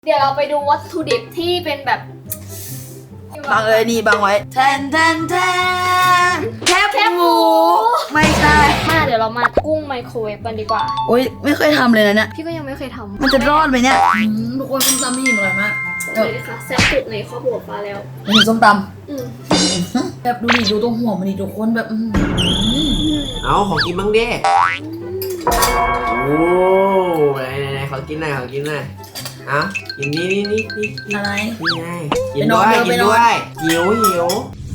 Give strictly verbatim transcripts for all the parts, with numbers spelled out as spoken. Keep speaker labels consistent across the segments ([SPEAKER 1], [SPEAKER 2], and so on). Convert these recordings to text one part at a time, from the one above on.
[SPEAKER 1] เดี๋ยวเราไปดูวัตถุดิบที่เป็นแบบ
[SPEAKER 2] บางเอ้ยนี่บางไว้แทนแทนแทนแคบแคบหมูไม่ใช่
[SPEAKER 1] มาเดี๋ยวเรามากุ้งไมโครเวฟกันดีกว่า
[SPEAKER 2] โอ๊ยไม่เคยทำเลยนะเนี่ย
[SPEAKER 1] พี่ก็ยังไม่เคยทำ
[SPEAKER 2] มันจะรอดไหมเนี่ยทุกคนส้มตำพี่หญิงอร่อยมาก
[SPEAKER 1] เลยค่ะแซ่บสุดในครอบครัวฟ้าแล้ว
[SPEAKER 2] นี่ส้มตำแบบดูดิดูตรงหัวมันดิทุกคนแบบ
[SPEAKER 3] เอาของกินบ้างดิโอ้ไหนไหนขอกินหน่อยขอกินหน่อยอ่ะกินนี่นี่นี่นี่
[SPEAKER 2] อะไร
[SPEAKER 3] นี่ไงกินด้วยกินด้วยหิวหิว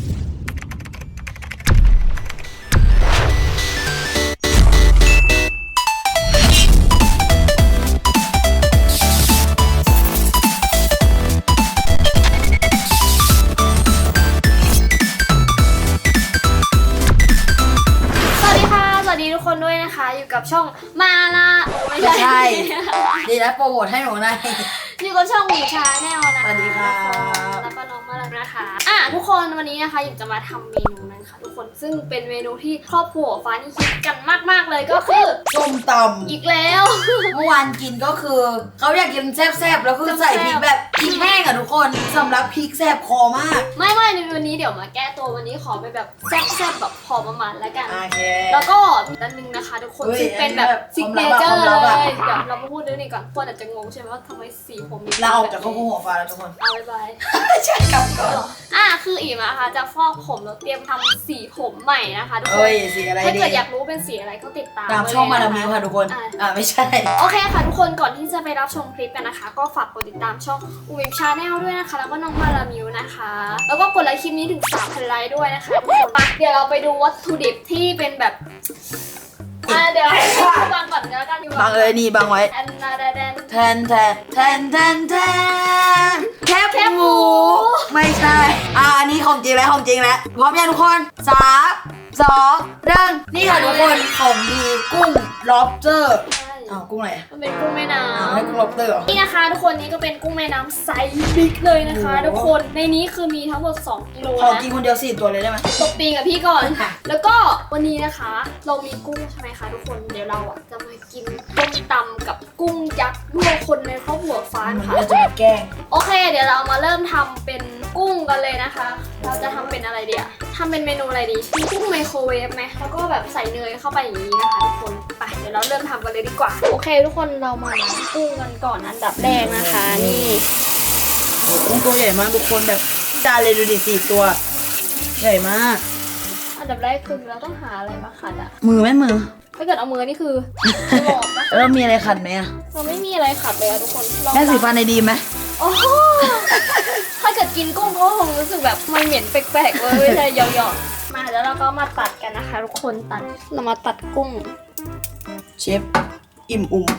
[SPEAKER 1] ทุกคนด้วยนะคะอยู่กับช่องมาลา
[SPEAKER 2] ไม่ใช่ดีแล้วโปรโมทให้หนูหน่อย
[SPEAKER 1] อยู่กับช่องหมูชาแนลนะคะ
[SPEAKER 2] สวัสดีค่ะ
[SPEAKER 1] แล้วก็น้องมาลานะคะอ่ะทุกคนวันนี้นะคะอยากจะมาทำเมนูนั้นค่ะทุกคนซึ่งเป็นเมนูที่ครอบครัวฟ้านี่คิดกันมากๆเลยก็คือ
[SPEAKER 2] ส้มตำ
[SPEAKER 1] อีกแล้ว
[SPEAKER 2] เมื่อวานกินก็คือเขาอยากกินแซ่บๆแล้วคือใส่พริกแบบพริกแห้งอ่ะทุกคนสำหรับพริกแซ่บคอมาก
[SPEAKER 1] ไม่ไม่ในวันนี้เดี๋ยวมาแก้ตัววันนี้ขอไปแบบแซ่บๆแบบพอประมาณแล้วกัน
[SPEAKER 2] แล้
[SPEAKER 1] วก็มีด้านนึงนะคะทุกคนซึ่งเป็นแบบซิกเนเจอร์เลยเดี๋ยวเรามาพูดเรื่องนี้ก่อนคนอาจจะงงใช่ไหมว่าทำไมสีผมมี
[SPEAKER 2] เราออกจากข้าวหัวฟ้าแล้วทุกคน
[SPEAKER 1] เอาไป
[SPEAKER 2] ใช่กับก่อน
[SPEAKER 1] อ่ะคืออีนะคะจะฟอกผมแล้วเตรียมทำสีผมใหม่นะคะทุกคน
[SPEAKER 2] เอ้ยสีอะไรดี
[SPEAKER 1] ถ้าเกิดอยากรู้เป็นสีอะไรก็ติดตาม
[SPEAKER 2] ตามช่องมาดามมิวค่ะทุกคนอ่าไม่ใช่
[SPEAKER 1] โอเคค่ะทุกคนก่อนที่จะไปรับชมคลิปกันนะคะก็ฝากกดติดตามช่องอูวิมชาแนลด้วยนะคะแล้วก็น้องมาดามมิวนะคะแล้วก็กดไลค์คลิปนี้ถึง สามพัน ไลค์ด้วยนะคะทุกคนเดี๋ยวเราไปดูวัตถุดิบที่เป็นแบบอ่ะเดี๋ยวบางก่อนก็แล้วกัน
[SPEAKER 2] บางเอ้ยนี่บางไว้
[SPEAKER 1] แอนนาแดน
[SPEAKER 2] แทนแทนแทนแทนแทนแคบแคบหมูไม่ใช่อ่าอันนี้ของจริงแล้วของจริงแล้วพร้อมยังทุกคนสามสองหนึ่งนี่ค่ะทุกคนของดีกุ้งล็อบสเตอร์อ้าวกุ้งอะไร
[SPEAKER 1] มันเป็นกุ้งแม่น้ำ
[SPEAKER 2] ให้กุ้งล็อบสเตอร์
[SPEAKER 1] นี่นะคะทุกคนนี้ก็เป็นกุ้งแม่น้ำไซส์บิ๊กเลยนะคะทุกคนในนี้คือมีทั้งหมดสองกิโลนะ
[SPEAKER 2] ขอกินคนเดียวสี่ตัวเลยได้ไหม
[SPEAKER 1] ตบตีกับพี่ก่อนแล้วก็วันนี้นะคะเรามีกุ้งใช่ไหมคะทุกคนเดี๋ยวเราอ่ะจะมากินต้มตำกับกุ้งยักษ์ด้วยคนในครอบครัวฟ้าค่ะ
[SPEAKER 2] เราจะมาแกล้ง
[SPEAKER 1] โอเคเดี๋ยวเรามาเริ่มทำเป็นกุ้งกันเลยนะคะเราจะทำเป็นอะไรเดี๋ยวทำเป็นเมนูอะไรดีมีกุ้งไมโครเวฟไหมแล้วก็แบบใส่เนยเข้าไปอย่างนี้นะคะทุกคนไปเดี๋ยวเราเริ่มทำกันเลยดีกว่าโอเคทุกคนเรามาล้างกุ้งกันก่อนอันดับแรกนะคะนี่
[SPEAKER 2] กุ้งตัวใหญ่มากทุกคนแบบจานเลยดูดิสี่ตัวใหญ่มาก
[SPEAKER 1] อันดับแรกคือเราต้องหาอะไรมาขัดอะ
[SPEAKER 2] มือไหมมือ
[SPEAKER 1] ถ้าเกิดเอามือนี่คือหลอกนะ
[SPEAKER 2] แล้วมีอะไรขัดไหมอะ
[SPEAKER 1] เราไม่มีอะไรขัดเลยอะทุกคน
[SPEAKER 2] แม่สีฟันในดีไหม
[SPEAKER 1] โอ้ถ้าเกิดกินกุ้งก็คงรู้สึกแบบมันเหม็นแปลกๆเลยไม่ใช่หยอกๆมาแล้วเราก็มาตัดกันนะคะทุกคนตัดเรามาตัดกุ้ง
[SPEAKER 2] เชฟอิ่มอุ่ม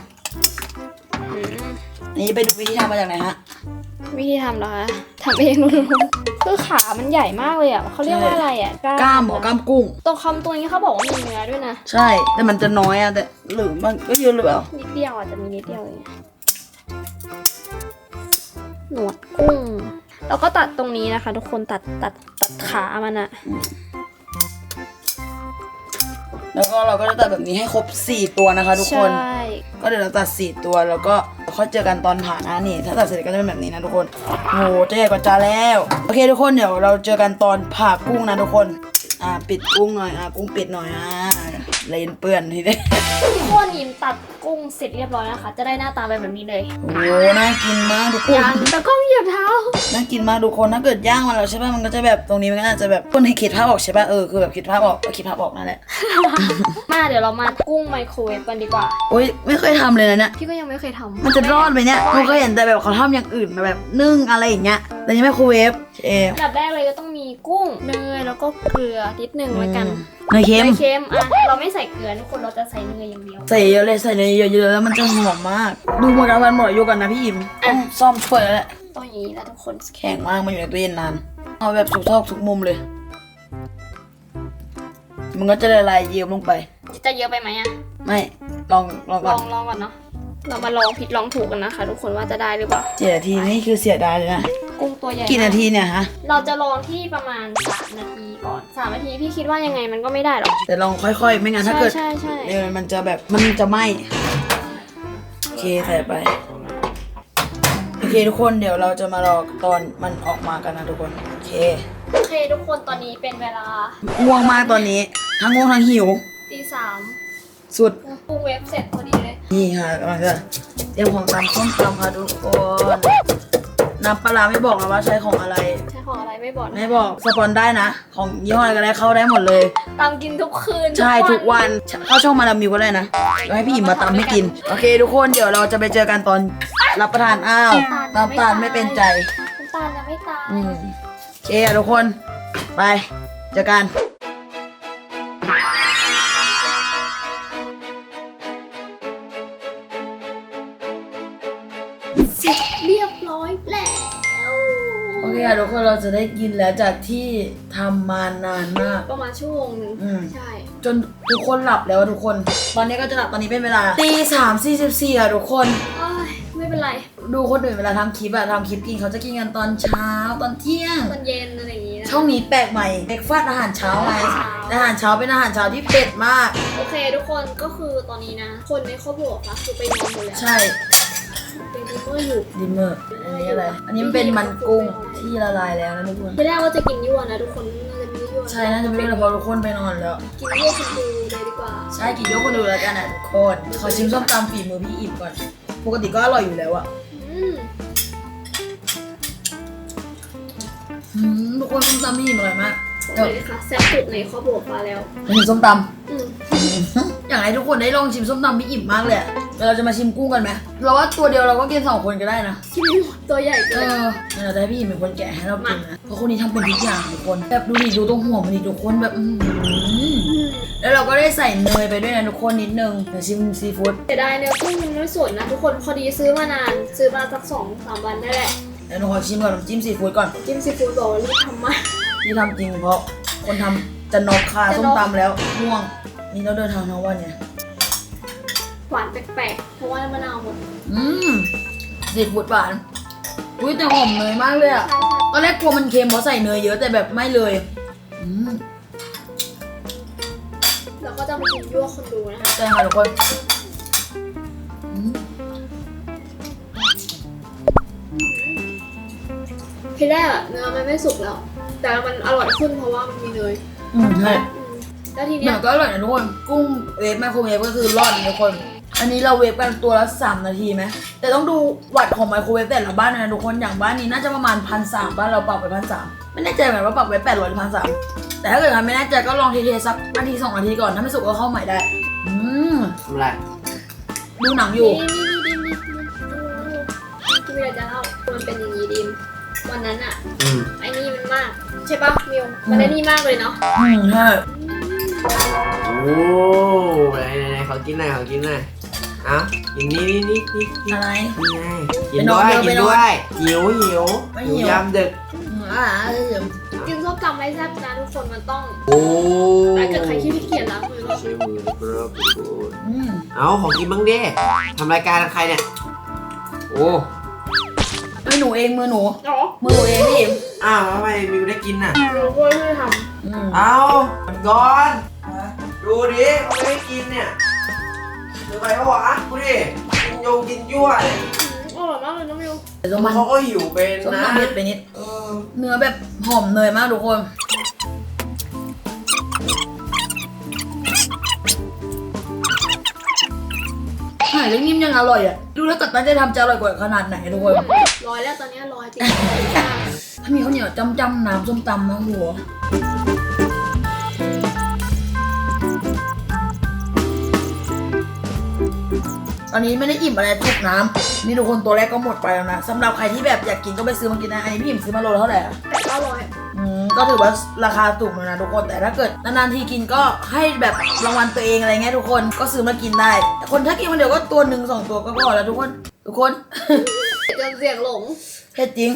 [SPEAKER 2] นี่ไปดูวิธีทำมาจากไหนฮะ
[SPEAKER 1] วิธีทำเหรอคะทำเองนู่นคือขามันใหญ่มากเลยอ่ะเขาเรียกว่าอะไรอ่ะ
[SPEAKER 2] กล้ามหรอกล้ามกุ้ง
[SPEAKER 1] ตรงคำตัวนี้เขาบอกว่ามีเนื้อด้วยนะ
[SPEAKER 2] ใช่แต่มันจะน้อยอ่ะแต่หรือมันก็เยอะหรือเปล่า
[SPEAKER 1] นิดเดียวอาจจะมีนิดเดียวเองหนวดกุ้งแล้วก็ตัดตรงนี้นะคะทุกคนตัดตัดตัดขามันอะ
[SPEAKER 2] แล้วก็เราก็จะตัดแบบนี้ให้ครบสี่ตัวนะคะทุกคน
[SPEAKER 1] ใช่
[SPEAKER 2] ก็เดี๋ยวเราตัดสี่ตัวแล้วก็ค่อยเจอกันตอนผ่านะนี่ถ้าตัดเสร็จก็จะเป็นแบบนี้นะทุกคนโหจะใหญ่กว่าจานแล้วโอเคทุกคนเดี๋ยวเราเจอกันตอนผ่ากุ้งนะทุกคนอ่าปิดกุ้งหน่อยอ่ากุ้งปิดหน่อยอ่าเลนเปื้อนทีเดียว
[SPEAKER 1] ทุกคนยิมตัดกุ้งเสร็จเรียบร้อยนะคะจะได้หน้าตาแบบนี้เลย
[SPEAKER 2] โอ้น่ากินมากทุกคน
[SPEAKER 1] ยังแต่ก็เหยียบเท้า
[SPEAKER 2] น่ากินมากทุกคนถ้าเกิดย่างมาแล้วใช่ป่ะมันก็จะแบบตรงนี้มันก็อาจจะแบบคนให้คิดภาพออกใช่ป่ะเออคือแบบคิดภาพออกคิดภาพออกนั่นแหละ
[SPEAKER 1] มาเดี๋ยวเรามากุ้งไมโครเวฟกันดีกว่า
[SPEAKER 2] โอ๊ยไม่เคยทำเลยนะเนี่ย
[SPEAKER 1] พี่ก็ยังไม่เคยทำ
[SPEAKER 2] มันจะรอดไหมเนี่ยเราก็เห็นแต่แบบเขาทำอย่างอื่นมาแบบนึ่งอะไรอย่างเงี้ยแต่ยังไม่ไมโครเวฟเออ
[SPEAKER 1] อันดับแรกเลยก็ต้องมีกุ้งเนยแล้วก็เกลือนิดนึงแล้วกัน
[SPEAKER 2] เนยเค็ม
[SPEAKER 1] เนยเค็มอ่ะเราไม่ใส่เกลือทุกคนเราจะใส่เนยอย่างเดียว
[SPEAKER 2] ใส่เยอะเลยใส่เนยเยอะๆแล้วมันจะหอมมากดูหมดแล้วมันหมดอยู่กันนะพี่อิมต้องซ่อมช่วยแล้วแหละ
[SPEAKER 1] ต้องอย่างนี้แล้วทุกคน
[SPEAKER 2] แข็งมากมันอยู่ในตู้เย็นนานเอาแบบสุกทอกทุกมุมเลยมันก็จะละลายเยิ้มลงไป
[SPEAKER 1] จะเยอะไปไหมอ่ะ
[SPEAKER 2] ไม่ลองลองก่
[SPEAKER 1] อ
[SPEAKER 2] น
[SPEAKER 1] ลองลองก่อนเนาะเรามาลองผิดลองถูกกันนะคะทุกคนว่าจะได้หรือเปล่า
[SPEAKER 2] เจ็ดนาทีนี่คือเสียดายเลยนะ
[SPEAKER 1] กุ้งตัวใหญ่
[SPEAKER 2] กี่นาทีเนี่ยฮะ
[SPEAKER 1] เราจะลองที่ประมาณสามนาทีก่อนสามนาทีพี่คิดว่ายังไงมันก็ไม่ได้หรอก
[SPEAKER 2] แต่ลองค่อยๆไม่งั้นถ้าเกิด
[SPEAKER 1] ใช่ใช่
[SPEAKER 2] เดี๋ยวมันจะแบบมันจะไหม้โอเคใส่ไปโอเคเคทุกคนเดี๋ยวเราจะมารอตอนมันออกมากันนะทุกคนโอเค
[SPEAKER 1] โอเคทุกคนตอนนี้เป็นเวลา
[SPEAKER 2] ง่วงมากตอนนี้ทั้งง่วงทั้งหิว
[SPEAKER 1] ตีสาม
[SPEAKER 2] สุด
[SPEAKER 1] ปรุงเว็บเสร็จพอดีเลย
[SPEAKER 2] นี่ค่ะกำลังจะเตรียมของตำส้มตำค่ะทุกคนน้ำปลาร้าไม่บอกนะว่าใช้ของอะไร
[SPEAKER 1] ใช้ของอะไรไม่บอกนะ
[SPEAKER 2] ไม่บอกสปอนได้นะ ของยี่ห้ออะไรก็ได้เข้าได้หมดเลย
[SPEAKER 1] ตามกินทุกคืน
[SPEAKER 2] ใช่ทุกวันเข้าช่องมาลามิวก็ได้นะแล้วให้พี่อิ่มมาตำให้กินโอเค ทุกคนเดี๋ยวเราจะไปเจอกันตอนรับประทานอ้าวน้ำตาลไม่เป็นใจ
[SPEAKER 1] น้ำตาลยังไม่ตาย
[SPEAKER 2] อืมโอเคอะทุกคนไปเจอกัน
[SPEAKER 1] เสร็จเรียบร้อยแล้ว
[SPEAKER 2] โอเคอะทุกคนเราจะได้กินแล้วจากที่ทำมานานมาก
[SPEAKER 1] ประมาณชั่วโมงหนึง
[SPEAKER 2] อืม
[SPEAKER 1] ใช่
[SPEAKER 2] จนทุกคนหลับแล้วอะทุกคน ตอนนี้ก็จะหลับตอนนี้เป็นเวลาตีสามสี่สิบสี่อะทุกคน
[SPEAKER 1] เอ้ยไม่เป็นไร
[SPEAKER 2] ดูคนอื่นเวลาทำคลิปอะทำคลิปกินเขาจะกินกันตอนเช้าตอนเที่ยง
[SPEAKER 1] ตอนเย็นอะไรอย่างงี้นะ
[SPEAKER 2] ช่องนี้แปลกใหม่เบรกฟาสต์อาหารเช้าไง
[SPEAKER 1] อาหารเช้า
[SPEAKER 2] อาหารเช้าเป็นอาหารเช้าที่เผ็ดมาก
[SPEAKER 1] โอเคทุกคนก็คือตอนนี้นะ คนในครอบครัวคะคือไปนอนหมดแล้ว
[SPEAKER 2] ใช่
[SPEAKER 1] เป็นดิมเมอร์อยู่
[SPEAKER 2] ดิมเมอร์อันนี้อะไร อันนี้มันเป็นมันกุ้งที่ละลายแล้วนะทุกคน
[SPEAKER 1] ทีแรกว่าจะกินยั่วนะทุกคนน่าจะไม่ยั่ว
[SPEAKER 2] ใช่น่าจะไม่ได้เลยเพราะทุกคนไปนอนแล้ว
[SPEAKER 1] กินยั่วคุณดูเลยดีกว่า
[SPEAKER 2] ใช่กี่ยกคนดูแล้วกันนะทุกคนขอชิมส้มตำฝีมือพี่อิ่มก่อน ปกติก็อร่อยอยู่แล้วอะ
[SPEAKER 1] อืม
[SPEAKER 2] อืมทุกคนส้มตำพี่อิ่มอร่อยมาก
[SPEAKER 1] บอกเลยค่ะแซ่บสุดในครอบครัวฟ้าแล้ว
[SPEAKER 2] มาถึงส้มต
[SPEAKER 1] อืม
[SPEAKER 2] ำ อยากให้ทุกคนได้ลองชิมส้มตำพี่อิ่มมากเลยอะเดี๋ยวเราจะมาชิมกุ้งกันไหมเราว่าตัวเดียวเราก็กินสองคนก็ได้นะ
[SPEAKER 1] กินไม่หมดตัวใหญ่
[SPEAKER 2] เอ
[SPEAKER 1] เกิน
[SPEAKER 2] อเดี๋ยวเราจะให้พี่อิ่มเป็นคนแกะให้เรากินนะ เพราะคนนี้ทำเป็นทุกอย่างทุกคน แบบดูดิดูตรงหัวมันดิทุกคนแบบอือหือ
[SPEAKER 1] อืม
[SPEAKER 2] แล้วเราก็ได้ใส่เนยไปด้วยนะทุกคนนิดนึงเดี๋ยวชิมซีฟู้ด
[SPEAKER 1] เสียดายเนื้อกุ้งมันไม่สดนะทุกคนพอดีซื้อมานาน ซื้อมาสักสองสามวันได้แหละ
[SPEAKER 2] เดี๋ยวหนูขอชิมก่อนน้ำจิ้มซีฟู้ดก่อน
[SPEAKER 1] จิ้มซีฟู้ดบอกว่ารีบทำมา
[SPEAKER 2] ที่ทำจริงเพราะคนทำจะนอกคา
[SPEAKER 1] จะ
[SPEAKER 2] ส้
[SPEAKER 1] น
[SPEAKER 2] ม
[SPEAKER 1] อก
[SPEAKER 2] ตำแล้วง่วง นี่เราเดินทางทั้งวันเนี่ย
[SPEAKER 1] หวานแปลกๆเพราะว่ามะนาวหมด
[SPEAKER 2] อืมซีฟู้ดหวานอุ้ยแต่หอมเนยมากเลยอะ
[SPEAKER 1] ใช่ใช่
[SPEAKER 2] ตอนแรกกลัวมันเค็มเพราะใส่เนยเยอะแต่แบบไม่เลยอืม
[SPEAKER 1] แล้วก็จะมากินยั่วคนดูนะคะ
[SPEAKER 2] ใช่ค่ะทุกคนอืม
[SPEAKER 1] ทีแรกอะเนื้อมันไม่สุกแล้ว แต่มันอร่อยขึ้นเพราะว่ามันมีเนย
[SPEAKER 2] อืมใช่
[SPEAKER 1] อืมแล้วที
[SPEAKER 2] เห
[SPEAKER 1] เนี้
[SPEAKER 2] มื
[SPEAKER 1] ย
[SPEAKER 2] อนก็อร่อยนะทุกคนกุ้งเวฟไมโครเวฟก็คือรอดนะทุกคน อันนี้เราเวฟกันตัวละสามนาทีไหมแต่ต้องดูวัตต์ของไมโครเวฟแต่ละบ้านนะทุกคนอย่างบ้านนี้น่าจะประมาณพันสามบ้านเราปรับไปพันสามไม่แน่ใจเหมือนกันว่าปรับไว้แปดร้อยหรือพันสามแต่ถ้าเกิดใครไม่แน่ใจก็ลองเทๆสักนาทีสองนาทีก่อนถ้าไม่สุกก็เข้าใหม่ได้ อืม
[SPEAKER 3] ทำไร
[SPEAKER 2] ดูหนังอยู่
[SPEAKER 1] นี่นี่นี่ดิมนี่ที่ไม่ได้จะเล่ามันเป็นอย่างนี้ดิมวันนั้นอะ
[SPEAKER 3] อืม
[SPEAKER 1] ไอ้นี่มันมาก ใช่ปะมิวมันได้นี่มากเลยเนาะ
[SPEAKER 2] อืมใช่
[SPEAKER 3] โอ้ไหนไหนไหนขอกินหน่อยขอกินหน่อยเอ้ากินนี่นี่นี่นี่นี่
[SPEAKER 2] อะไร
[SPEAKER 3] นี่ไงกิ
[SPEAKER 2] ไป
[SPEAKER 3] น
[SPEAKER 2] นอ
[SPEAKER 3] ด้
[SPEAKER 2] น
[SPEAKER 3] วย
[SPEAKER 2] เร็ว
[SPEAKER 3] กิ
[SPEAKER 2] ไป
[SPEAKER 3] น
[SPEAKER 2] นอน
[SPEAKER 3] ด้วยหิวหิว
[SPEAKER 2] ไม่
[SPEAKER 3] หิว
[SPEAKER 2] หิว
[SPEAKER 3] ยามดึก
[SPEAKER 2] อืมอ่าเดี๋ยว
[SPEAKER 1] กินส้มตำไรแซ่บนะทุกคนมันต้อง
[SPEAKER 3] โอ้
[SPEAKER 1] ถ้าเกิดใครขี้เกียจล้างมือก็
[SPEAKER 3] ใช้มือนะครับทุกคน
[SPEAKER 2] อืม
[SPEAKER 3] เอาของกินบ้างดิทำรายการกับใครเนี่ยโอ้
[SPEAKER 2] มือหนูเองมือหนู
[SPEAKER 1] เนาะ
[SPEAKER 2] มือหนูเองพี่อิม
[SPEAKER 3] อ้าวทำไมมิวได้กินน่ะ
[SPEAKER 1] เราก็ไม่ท
[SPEAKER 2] อืม
[SPEAKER 3] เอาก่อนดูดิเขาไม่ให้กินเนี่ยเดี๋ยวไปปะวะดูดิกินโยงกินยั่วเลย
[SPEAKER 1] ำอร่อยมากเลยน้องมิว
[SPEAKER 2] แต่ส้มมัน
[SPEAKER 3] เขาก็หิวเป็น
[SPEAKER 2] ส้ม
[SPEAKER 3] นะ
[SPEAKER 2] ตำเผ็ดไปนิด
[SPEAKER 3] เออ
[SPEAKER 2] เนื้อแบบหอมเนยมากทุกคนหายแล้วนิ่มยังอร่อยอ่ะ ดูแล้วกัดตั้งใจทำจะอร่อยกว่าขนาดไหนทุกคน
[SPEAKER 1] ร้อยแล้วตอนนี้ร้อยจริง
[SPEAKER 2] ถ้ามีข้าวเหนียวจำจำน้ำส้มตำนะหัว ตอนนี้ไม่ได้อิ่มอะไรจุกน้ำนี่ทุกคนตัวแรกก็หมดไปแล้วนะสำหรับใครที่แบบอยากกินก็ไปซื้อมากินนะอันนี้พี่อิ่มซื้อมาโลละเท่าไหร่อะ
[SPEAKER 1] แต่ก็ร้อย
[SPEAKER 2] อืมก็ถือว่าราคาถูกแล้วนะทุกคนแต่ถ้าเกิดนานๆทีกินก็ให้แบบรางวัลตัวเองอะไรเงี้ยทุกคนก็ซื้อมากินได้แต่คนถ้ากินคนเดียวก็ตัวหนึ่งสองตัวก็พอแล้วทุกคนทุกคน
[SPEAKER 1] จนเสียงหลง
[SPEAKER 2] เผ็ดจริง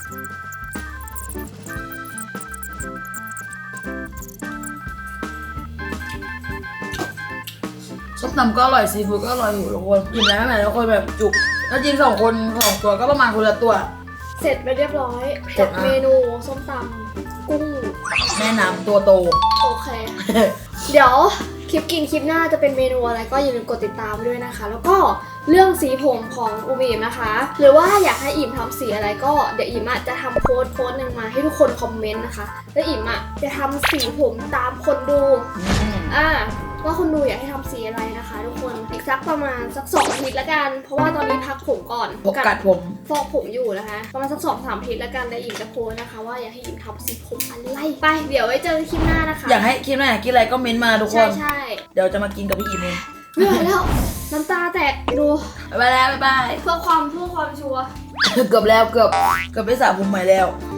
[SPEAKER 2] ส้มตำก็อร่อยซีฟู้ดก็อร่อยอยู่ทุกคนกินแล้วไม่ไหนทุกคนแบบจุกแล้วจริงสองคนสองตัวก็ประมาณคนละตัว
[SPEAKER 1] เสร็จไปเรียบร้อย
[SPEAKER 2] เสร็
[SPEAKER 1] กั
[SPEAKER 2] จ
[SPEAKER 1] บ
[SPEAKER 2] มาก
[SPEAKER 1] เมนูส้มตำกุ้ง
[SPEAKER 2] แม่น้ำตัวโต
[SPEAKER 1] โอเค เดี๋ยวคลิปกินคลิปหน้าจะเป็นเมนูอะไรก็อย่าลืมกดติดตามด้วยนะคะ แล้วก็เรื่องสีผมของอูมิมนะคะ หรือว่าอยากให้อิ่มทำสีอะไรก็เดี๋ยวอิ่มอะจะทำโพสต์โพสต์หนึ่งมาให้ทุกคนคอมเมนต์นะคะแล้วอิ่มอะจะทำสีผมตามคนดูอ่าว่าคนดูอยากให้ทำสีอะไรนะคะ ทุกคนอีกสักประมาณสักสองอาทิตย์ละกัน เพราะว่าตอนนี้พักผมก่อน
[SPEAKER 2] ผมกัดผม
[SPEAKER 1] ฟอกผมอยู่นะคะ ประมาณสักสองสามอาทิตย์ละกันแล้วอิ่มจะโพสต์นะคะ ว่าอยากให้อิ่มทำสีผมอะไรไปเดี๋ยวไว้เจอกันคลิปหน้านะคะ
[SPEAKER 2] อยากให้คิดว่าอยากกินอะไรก็เม้นต์มาทุกค
[SPEAKER 1] ใช่
[SPEAKER 2] น
[SPEAKER 1] ใช่
[SPEAKER 2] เดี๋ยวจะมากินกับพี่อิมเอง
[SPEAKER 1] เหนื่อยแล้วน้ำตาแตกดู
[SPEAKER 2] บ๊ายบายแล้วบ๊ายบาย
[SPEAKER 1] เพื่อความเพื่อความชัวร์
[SPEAKER 2] เกือบแล้วเกือบเกือบไปสระผมใหม่แล้ว
[SPEAKER 1] โ